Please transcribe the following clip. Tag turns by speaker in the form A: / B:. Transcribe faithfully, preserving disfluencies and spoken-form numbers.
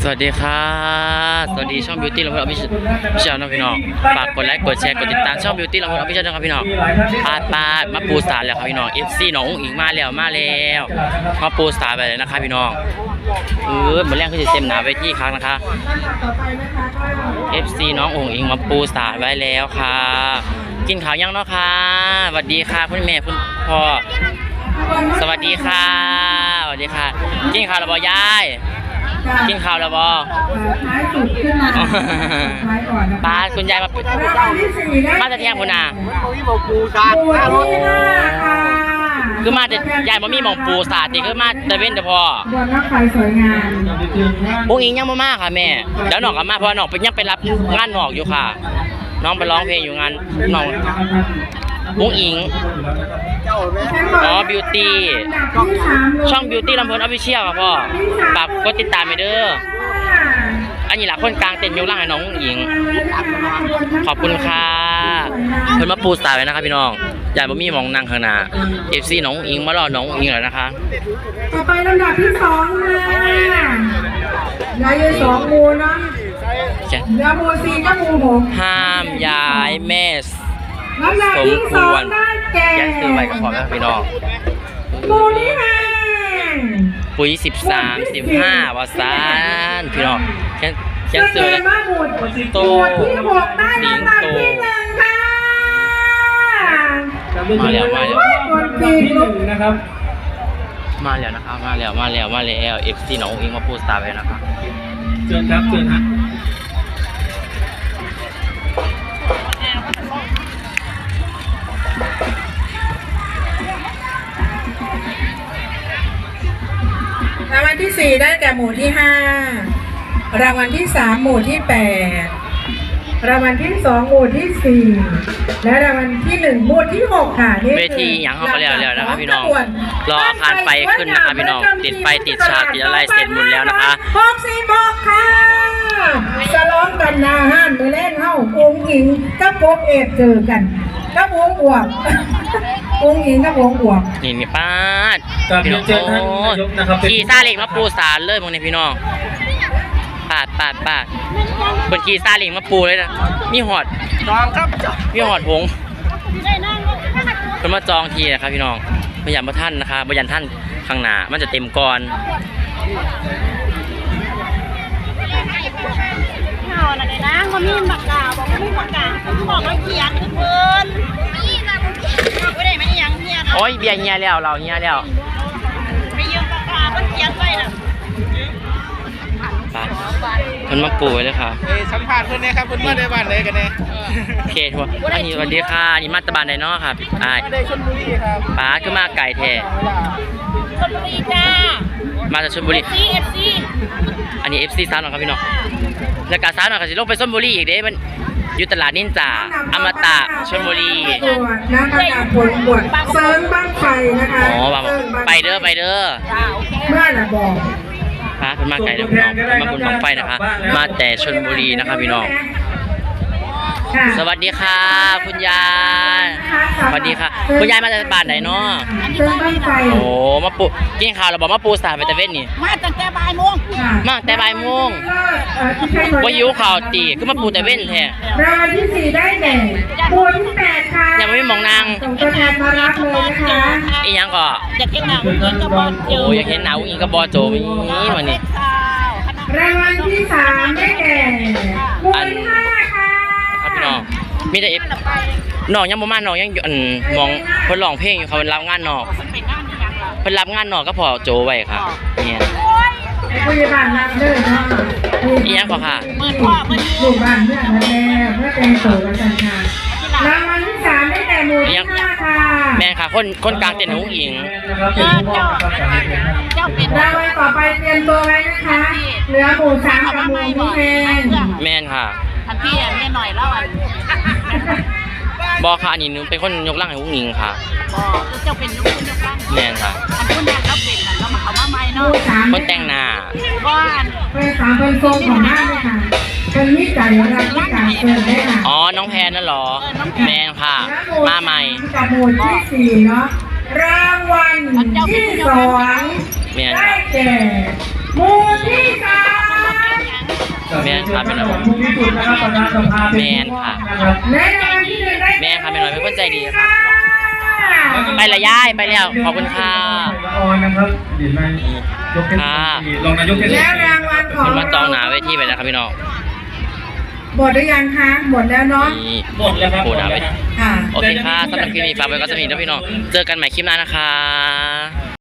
A: สวัสดีค่ะสวัสดีช่อง Beauty เราเพื่อนพี่พี่ชาวน้องพี่น้องฝากกดไลค์กดแชร์กดติดตามช่อง Beauty เราเพื่อนพี่ชาวน้องพี่น้องปาดปาดมาปูสาแล้วครับพี่น้อง เอฟ ซี น้องอุ้งอิงมาแล้วมาแล้วมาปูสาไปเลยนะคะพี่น้องเออเหมือนแรกคือจะเต็มหนาไปที่ครั้งนะคะ เอฟ ซี น้องอุ้งอิงมาปูสาไว้แล้วค่ะกินข้าวยังเนาะค่ะสวัสดีค่ะคุณแม่คุณพ่อสวัสดีค่ะสวัสดีค่ะกินข้าวแล้วบ่ยายกินข้าวแล้วบอท้ายสุดขึ้นมาท้ายก่อนป้าคุณยายมามาจะเที่ยงคุณอาคือมาจะยายมามีหมองปูสาดติคือมาตะเว้นแต่พอบนนักไฟสวยงามบุ้งอิงยังมากค่ะแม่แล้วน้องกับมาเพราะน้องไปยังไปรับงานหนอกอยู่ค่ะน้องไปร้องเพลงอยู่งานน้องบุ้งอิงอ๋อ บิวตี้ ช่อง บิวตี้ ลำเพลินออฟฟิเชียลครับพ่อฝากกดติดตามไปเด้ออันนี้หลักคนกลางเต้นยกล่างให้น้องหญิงขอบคุณค่ะเพิ่นมาปูสายไว้นะครับพี่น้องยายบ่มีมองนั่งข้างหน้า เอฟ ซี น้องหญิงมารอน้องหญิงแล้วนะคะ
B: ต่อไปลำดับที่สองค่ะยายสองมูเนาะยามูสี่ก็มูหก
A: ห้ามย้ายแม่
B: ลำดับที่สองได้แก่
A: แกซื้อใบกระเพาะนะพี่น้อง
B: มูนี่ค่ะ
A: ปุ๋ยสิบสามสิบห้าวาซานพี่น้องแค่แค่ซื้อเลยโต
B: ที่หกได้ลำดับที่หนึ่งค่ะ
A: มาแล้วมาแล้ว
B: คนที่หนึ่งนะครับ
A: มาแล้วนะครับมาแล้วมาแล้วมาแล้วเอฟซีน้องอิงมาพูดสตาร์ไปนะครับ
C: เชิญครับเชิญฮะ
B: รางวัลที่สี่ได้แก่หมู่ที่ห้ารางวัลที่สามหมู่ที่แปดรางวัลที่สองหมู่ที่สี่และรางวัลที่หนึ่งหมู่ที่หกค่ะนี่
A: เวทีอย่างเขาก็เรียกแล้วนะครับพี่น้องรออาคารไฟขึ้นนะคะพี่น้องติดไฟติดฉากติดอะไรเสร็จหมดแล้วนะคะ
B: หกสี่บอกค่ะสล้องกันนาฮั่นไปเล่นเฮ้าองค์หญิงกับกบเอฟเจอกันกับวงอวบองค์หญิงกับวงอวบ
A: นี่นี่ป้าพี่น้องโอ้ขี่ซาเล็งมาปูสารเลยมึงเนี่ยพี่น้องปาดปาดปาดคนขี่ซาเล็งมาปูเลยนะมีหอด
C: จองครับ
A: มีหอดผงคนมาจองทีนะครับพี่น้องพยายามมาท่านนะคะพยายามท่านข้างหน้ามันจะเต็มก่อน
D: ข่าวอะไรนะเขามีปากกาบอกว่ามีปากกาบอกว่าเขียนทุกคนนี่นะไม่ได้ไม่ได้ยังเฮียนะ
A: โอ้ยเบียร์เฮียแล้วเราเฮียแล้ว
D: ไม่ยืมปากกาเพิ่งเขียนไว้น่ะ
A: มันมาปูเลยค่ะ
C: เอสัมภาษณ์คนนี้ครับคุณมาได้บ้านเลยกันเนี่ย
A: โอเคทัวร์อันนี้สวัสดีค่ะนี่มาตะบานไดเนาะครับอ่า
C: มาได้ชลบุรีครับ
A: ป้าคือมาไก่แท้
D: ชลบุรีจ้า
A: มาจากชลบุรี
D: เอฟซี เอฟซี
A: อันนี้ เอฟ ซี ซ้ำหน่อยครับพี่น้องแล้วก็ซ้ำหน่อยก็สิลงไปชลบุรีอีกเด้มันอยู่ตลาดนินจาอมตะชลบุรี
B: นะประกาศผลบวชเซิร์นบ้างไฟนะคะ
A: อ๋อไปเด้อไปเด้อ
B: เมื่อน่ะบอก
A: ป้าเป็นมาไก่เด้อพี่น้องมาบุญบังไฟนะคะมาแต่ชลบุรีนะครับพี่น้องสวัสดีค่ะคุณยายสวัสดีค่ะคุณยายมาจากบ้านไหนเนาะโอ้มาปูกินข้าวเราบอกมาปูสาไปตะเวนนี่
D: มาตั้งแต่บ่ายโมง
A: มาแต่บ่ายโมงว่าหิวข้าวตีคือมาปูตะเวนแท้
B: รางวัลที่สี่ได้แก่หมู่ที่แปดค่ะ
A: ยังไม่มองนาง
B: ส่งตัวแทนมารับเลยนะคะ
A: อีหยังก็
D: อยากเห็นหนาวอิงกับบอโจ
A: โอ้อยากเห็นหนาวอิงกับบอโจนี่วันนี้
B: รางวัลที่สามได้แก่หมู่ที่ห้าค่ะ
A: ครับพี่น้องมีแต่เอฟน้องยังบ่มาน้องยังอยู่มองเพิ่นร้องเพลงอยู่เขาเพิ่นรับงานนอกเพิ่นรับงานนอกก็พอโจไว้ค่ะเนี่ย
B: ผู้ใหญ่บ้านรับเลยเนาะ
A: อีหยังก็ค่ะ
D: เปิดพ่อเปิด
B: ลูกบ้านเพื่อนนั่นแหละเพื่อเป็นโสดกันค่ะรางวัลที่สามได้แก่หมู่ที่ห้าค่ะ
A: แม่ค่ะคนคนกลางเต้นหุ้งอิง
D: เจ้าเจ้าเป็น
B: รางวัลต่อไปเตรียมตัวไว้นะคะเหลือหมู่สามกับหมู่ที่แม่
A: แม่นค่ะ
D: ทันพี่แม่หน่อยแล้วอัน
A: บอค่ะอันนี้หนูเป็นคนยกร่างให้หุ้งอิงค่ะ
D: บอเจ้าเป็นยกยกร่าง
A: แม่นค่ะ
D: อันคนนั้นเราเป็นเรามาเขามาใหม่เนาะ
A: คนแต่งหน้า
D: ก้อน
B: เป็นสามเป็นทรงของหน้าเลยค่ะเป็นมิจฉาอย่างไรมิจฉาเกินได้ค่ะ
A: อ๋อน้องแพนนั่นหรอแม่นค่ะมาใหม่
B: กับหมู่ที่สี่เนาะรางวัลที่สองได้แก่หมู่ที่สาม
A: นครับเป็นอะไร
C: ทุกที่สุดนะครับประธานสภา
A: แมนค่ะ
B: และรางวัลที่หนึ่งได้
A: แม่ค่ะแม่น้อยเป็นคนใจดีค่ะ ไปละย่ายไปแล้วขอบคุณค่ะ
C: ออนนะครับเดี๋ยวนายยกเทศมนตรีรองนายกเทศมนตรี
B: และรางวัลของ
A: มันมาจองหนาเวทีไปแล้วครับพี่น้อง
B: หมดหรือยังคะหมดแล้วเนาะ
A: นี่
C: หมดแล้วครับ
A: โอ้หนาเวที
B: ค่ะ
A: โอเคค่ะสำหรับคลิปนี้ฝากไว้ก็สำหรับนี้นะพี่น้องเจอกันใหม่คลิปหน้านะคะ